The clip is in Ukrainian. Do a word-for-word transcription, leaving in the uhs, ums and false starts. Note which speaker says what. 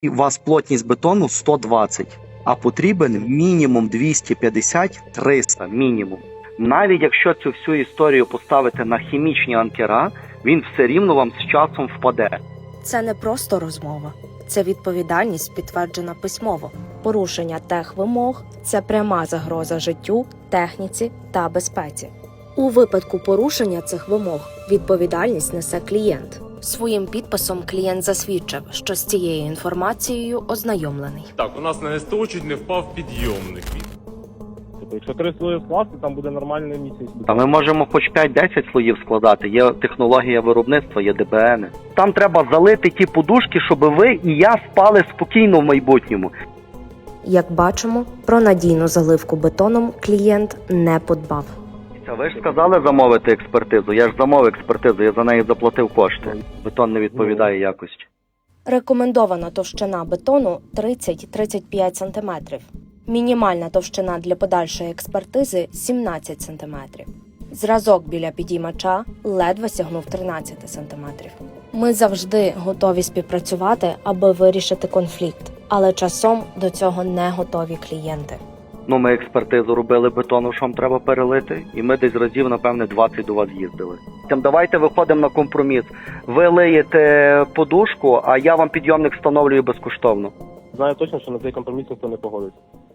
Speaker 1: у вас плотність бетону сто двадцять, а потрібен мінімум двісті п'ятдесят - триста мінімум. Навіть якщо цю всю історію поставити на хімічні анкера, він все рівно вам з часом впаде.
Speaker 2: Це не просто розмова. Це відповідальність, підтверджена письмово. Порушення техвимог – це пряма загроза життю, техніці та безпеці. У випадку порушення цих вимог відповідальність несе клієнт. Своїм підписом клієнт засвідчив, що з цією інформацією ознайомлений.
Speaker 3: Так, у нас на СТО чуть не впав підйомник.
Speaker 4: Тобто, якщо три слої скласти, там буде нормальний місяць.
Speaker 1: А ми можемо хоч п'ять-десять слоїв складати, є технологія виробництва, є ДБН. Там треба залити ті подушки, щоб ви і я спали спокійно в майбутньому.
Speaker 2: Як бачимо, про надійну заливку бетоном клієнт не подбав.
Speaker 1: Ви ж сказали замовити експертизу, я ж замовив експертизу, я за неї заплатив кошти. Бетон не відповідає якості.
Speaker 2: Рекомендована товщина бетону тридцять - тридцять п'ять сантиметрів. Мінімальна товщина для подальшої експертизи – сімнадцять сантиметрів. Зразок біля підіймача ледве сягнув тринадцять сантиметрів. Ми завжди готові співпрацювати, аби вирішити конфлікт, але часом до цього не готові клієнти.
Speaker 1: Ну, ми експертизу робили бетону, що вам треба перелити, і ми десь разів, напевне, двадцять до вас їздили. Тим давайте виходимо на компроміс. Ви лиєте подушку, а я вам підйомник встановлюю безкоштовно.
Speaker 4: Знаю точно, що на цей компроміс ніхто не погодиться.